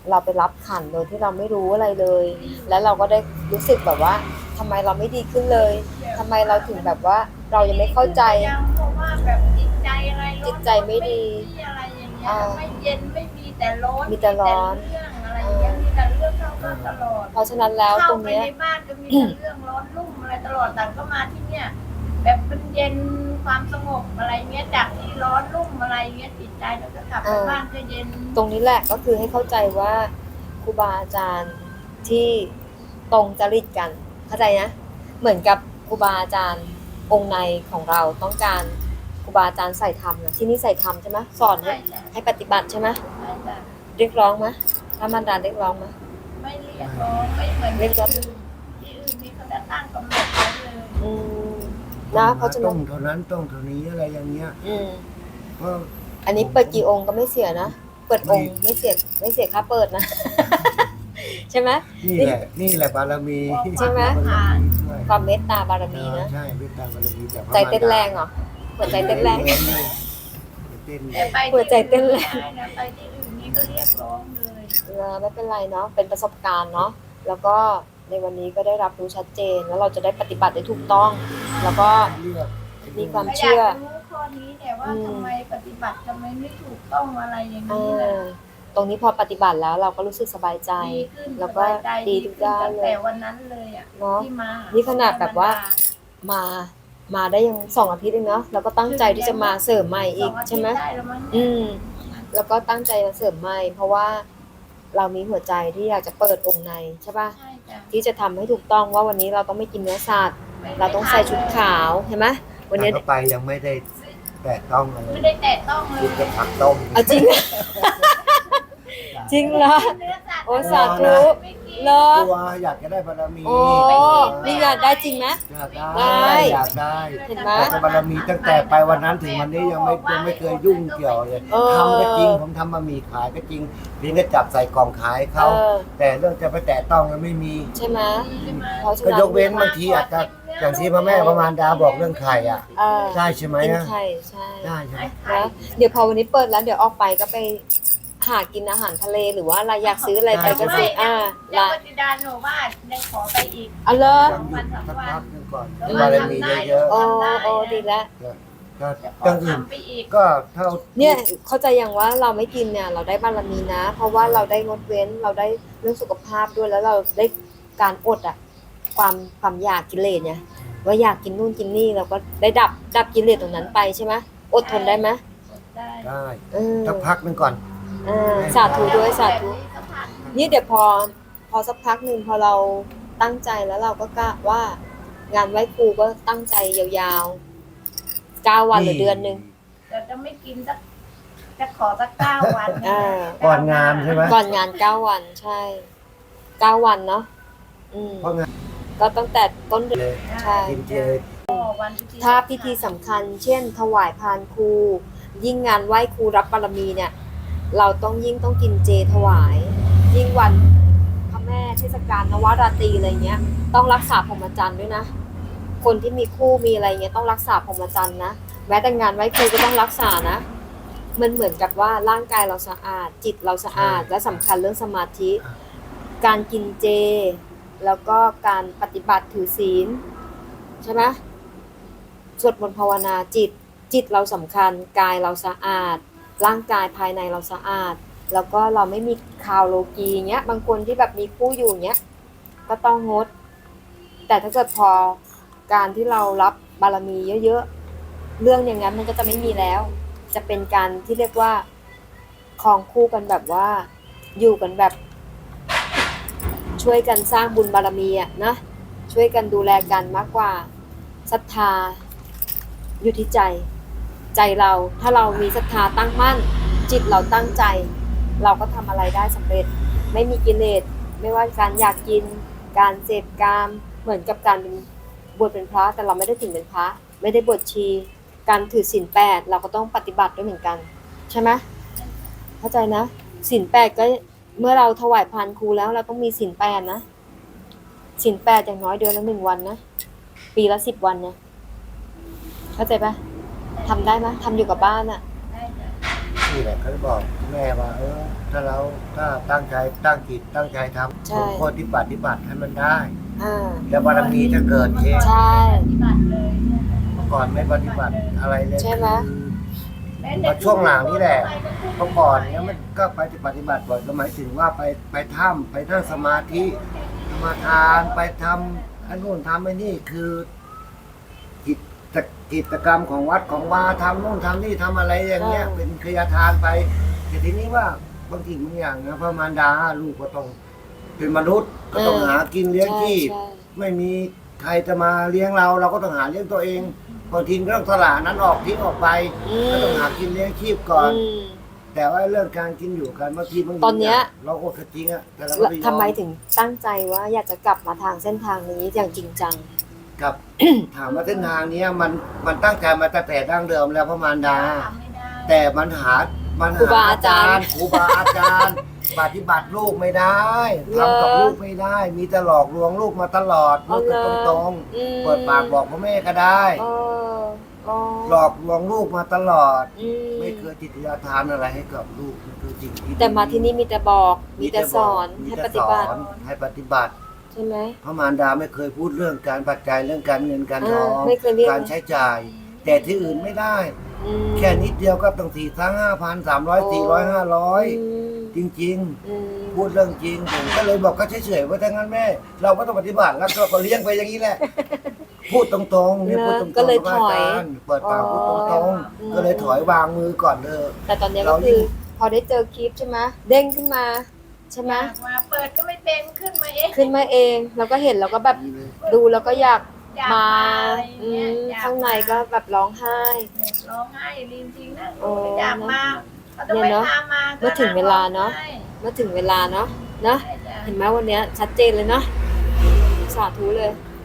เราไปรับขันโดยที่เราไม่รู้อะไรเลย แล้วเราก็ได้รู้สึกแบบว่าทำไมเราไม่ดีขึ้นเลยทำไมเราถึงแบบว่าเรายังไม่เข้าใจยังเพราะว่าแบบจิตใจอะไรจิตใจไม่ดีอะไรอย่างเงี้ยไม่เย็นไม่มีแต่ร้อนมีแต่ร้อนเรื่องอะไรอย่างเงี้ยมีแต่เรื่องเข้ามาตลอดเพราะฉะนั้นแล้วตรงเนี้ยเข้าไปในบ้านก็มีแต่เรื่องร้อนรุ่มอะไรตลอดแต่ก็มาที่เนี่ยแบบมันเย็นความสงบอะไรเงี้ยจากที่ร้อนรุ่มอะไรเงี้ยจิตใจเราก็กลับไปบ้านก็เย็นตรงนี้แหละก็คือให้เข้าใจว่าครูบาอาจารย์ที่ตรงจริตกันเข้าใจนะเหมือนกับครูบาอาจารย์องค์ในของเราต้องการครูบาอาจารย์ใส่ธรรมนะที่นี่ใส่ธรรมใช่ไหมสอนให้ปฏิบัติใช่ไหมเรียกร้องไหมถ้ามันดาเรียกร้องไหมไม่เรียกร้องไม่เหมือนเรียกร้องที่อื่นนี่เขาจะตั้งกำหนดไว้เลยนะเพราะฉะนั้ต้องเท่านั้นต้องเท่านี้อะไรอย่างเงี้ยเพราะอันนี้เปิดกี่องค์ก็ไม่เสียนะเปิดองค์ไม่เสียค่าเปิดนะ ใช่ไหมนี่แหละบารมีใช่ไหมความเมตตาบารมีนะใช่เมตตาบารมีแต่ใจเต้นแรงเหรอหัวใจเต้นแรงหัวใจเต้นแรงไปที่อื่นนี่ก็เรียกร้องเลยไม่เป็นไรเนาะเป็นประสบการณ์เนาะแล้วก็ในวันนี้ก็ได้รับรู้ชัดเจนแล้วเราจะได้ปฏิบัติได้ถูกต้องแล้วก็มีความเชื่อรู้ข้อนี้แต่ว่าทำไมปฏิบัติทำไมไม่ถูกต้องอะไรอย่างนี้แหละตรงนี้พอปฏิบัติแล้วเราก็รู้สึกสบายใจแล้วก็ดีทุกด้านเลยแต่วันนั้นเลยอ่ะเนาะที่มานี่ขนาดแบบว่ามาได้ยัง2 อาทิตย์เองเนาะแล้วก็ตั้งใจที่จะมาเสริมใหม่อีกใช่ไหมแล้วก็ตั้งใจมาเสริมใหม่เพราะว่าเรามีหัวใจที่อยากจะเปิดองค์ในใช่ป่ะที่จะทำให้ถูกต้องว่าวันนี้เราต้องไม่กินเนื้อสัตว์เราต้องใส่ชุดขาวเห็นไหมวันนี้ไปยังไม่ได้แตะต้องเลยไม่ได้แตะต้องเลยกินแต่ผักต้มจริงจริงเหรอโอ้สาธุเหรอตัวอยากจะได้บารมีโอ้นี่อยากได้จริงไหมอยากได้เห็นไหมแต่บารมีตั้งแต่ไปวันนั้นถึงวันนี้ยังไม่เคยยุ่งเกี่ยวเลยทำก็จริงผมทำบะหมี่ขายก็จริงเพียงแค่จับใส่กล่องขายเขาแต่เรื่องจะไปแตะต้องแล้วไม่มีใช่ไหมก็ยกเว้นบางทีอาจจะอย่างที่พระแม่พระมารดาบอกเรื่องไข่ได้ใช่ไหมกินไข่ใช่ได้ใช่ไหมนะเดี๋ยวพอวันนี้เปิดแล้วเดี๋ยวออกไปก็ไปหากินอาหารทะเลหรือว่าอะไรอยากซื้ออะไรไปก็ซื้อละปฏิดานหนูว่าได้ขอไปอีกอ๋อเหรอสักพักนึงก่อนบารมีเยอะๆโอ้ดีแล้วก็ตั้งอื่นก็เท่าเนี่ยเข้าใจอย่างว่าเราไม่กินเนี่ยเราได้บารมีนะเพราะว่าเราได้งดเว้นเราได้เรื่องสุขภาพด้วยแล้วเราได้การอดความอยากกิเลสเนี่ยว่าอยากกินนู่นกินนี่เราก็ได้ดับกิเลสตรงนั้นไปใช่ไหมอดทนได้ไหมได้สักพักนึงก่อนสาธุด้วยสาธุนี่เดี๋ยวพอสักพักหนึ่งพอเราตั้งใจแล้วเราก็กะว่างานไหว้ครูก็ตั้งใจยาวๆ9 วันหรือเดือนนึงแต่จะไม่กินสักจะขอสัก9 วันก่อนงานใช่ไหมก่อนงาน9 วันใช่9 วันเนาะก็ตั้งแต่ต้นเดือนใช่ถ้าพิธีสำคัญเช่นถวายพานครูยิ่งงานไหว้ครูรับบารมีเนี่ยเราต้องกินเจถวายยิ่งวันพระแม่เทศกาลนวราตรีอะไรเงี้ยต้องรักษาพรหมจรรย์ด้วยนะคนที่มีคู่มีอะไรเงี้ยต้องรักษาพรหมจรรย์นะแม้แต่งานไหว้ครูก็ต้องรักษานะมันเหมือนกับว่าร่างกายเราสะอาดจิตเราสะอาดและสำคัญเรื่องสมาธิการกินเจแล้วก็การปฏิบัติถือศีลใช่ไหมสวดมนต์ภาวนาจิตเราสำคัญกายเราสะอาดร่างกายภายในเราสะอาดแล้วก็เราไม่มีคาวโลกีเงี้ยบางคนที่แบบมีคู่อยู่เงี้ยก็ต้องงดแต่ถ้าเกิดพอการที่เรารับบารมีเยอะๆเรื่องอย่างนั้นมันก็จะไม่มีแล้วจะเป็นการที่เรียกว่าครองคู่กันแบบว่าอยู่กันแบบช่วยกันสร้างบุญบารมีอ่ะนะช่วยกันดูแลกันมากกว่าศรัทธาอยู่ที่ใจเราถ้าเรามีศรัทธาตั้งมั่นจิตเราตั้งใจเราก็ทำอะไรได้สำเร็จไม่มีกิเลสไม่ว่าการอยากกินการเสพกามเหมือนกับการบวชเป็นพระแต่เราไม่ได้ถึงเป็นพระไม่ได้บวชชีการถือศีล8เราก็ต้องปฏิบัติด้วยเหมือนกันใช่ไหมเข้าใจนะศีล8ก็เมื่อเราถวายพานครูแล้วเราต้องมีศีล8นะศีล8อย่างน้อยเดือนละ1 วันนะปีละ10 วันเนี่ยเข้าใจปะทำได้ไหมทำอยู่กับบ้านอ่ะนี่แหละเขาบอกแม่ว่าถ้าเราตั้งใจตั้งจิตตั้งใจทำใช่สมควรปฏิบัติให้มันได้อ่าแล้วบารมีจะเกิดเองใช่ปฏิบัติเลยเนี่ยเมื่อก่อนไม่ปฏิบัติอะไรเลยใช่ไหมมาช่วงหลังนี่แหละเมื่อก่อนเนี่ยมันก็ไปปฏิบัติบ่อยก็หมายถึงว่าไปถ้ำไปนั่งสมาธิสมาทานไปทำอันนู้นทำไอ้นี่คือกิจกรรมของวัดของวาทำนู่นทำนี่ทำอะไรอย่างเงี้ยเป็นขยทานไปแต่ทีนี้ว่าบางทีบางอย่างนะพระมารดาลูกก็ต้องเป็นมนุษย์ก็ต้องหากินเลี้ยงชีพใช่ไม่มีใครจะมาเลี้ยงเราก็ต้องหาเลี้ยงตัวเองบางทีก็ต้องสละนั้นออกทิ้งออกไปก็ต้องหากินเลี้ยงชีพก่อนอืมแต่ว่าเรื่องการกินอยู่กันบางทีบางตอนเนี้ยเราโอดจริงอะแต่เราก็ทำไมถึงตั้งใจว่าอยากจะกลับมาทางเส้นทางนี้อย่างจริงจังกับ ถามว่าเส้นทางเนี้ยมันตั้งใจมาตั้งแต่ดั้งเดิมแล้วพระมารดาทำไม่ได้แต่มันหาครูบาอาจารย์ครูบาอาจารย์ ปฏิบัติลูกไม่ได้ทำกับลูกไม่ได้ มีแต่หลอกลวงลูกมาตลอดลูกก็ตรงอืมๆเปิดปากบอกพ่อแม่ก็ได้เอออ๋อหลอกลวงลูกมาตลอดอืมไม่เคยจิตวิทยาทานอะไรให้กับลูกนี่คือสิ่งที่แต่มาที่นี่มีแต่บอก มีแต่สอนมีให้แต่ปฏิบัติสอนให้ปฏิบัติใช่ไหมพระมารดาไม่เคยพูดเรื่องการปัจจัยเรื่องการเงินการทองไม่เคยเรียกการใช้จ่าย แต่ที่อื่นไม่ได้อืมแค่นิดเดียวก็ต้อง4,000 5,000 300 400 500 อืมจริงอืมๆ พูดเรื่องจริงผมก็เลยบอกก็เฉยๆว่าถ้างั้นแม่ เราก็ต้องปฏิบัติแล้วก็เลี้ยงไปอย่างนี้แหละ พูดตรงๆเนี่ยพูดตรงๆก็เลยถอยกับาจารเปิดปากพูดตรงๆก็เลยถอยวางมือก่อนเลยแต่ตอนเนี้ยก็เรายิ่คืงอพอได้เจอคลิปใช่ไหมเด้งขึ้นมาใช่ไหมมาเปิดก็ไม่เป็นขึ้นมาเองขึ้นมาเองเราก็เห็นเราก็แบบดูแล้วก็อยากอยากมาอะไรอืเงี้ยมอยกข้างในก็แบบร้องไห้ร้องไห้จริงๆนะโอ้อยากมาเขาต้องไปเนี่ยเนอะตามมาเมื่อถึงเวลาเนอะใช่เมื่อถึงเวลาเนาะนะใช่จ้ะเห็นไหมวันเนี้ยชัดเจนเลยเนาะสาธุเลย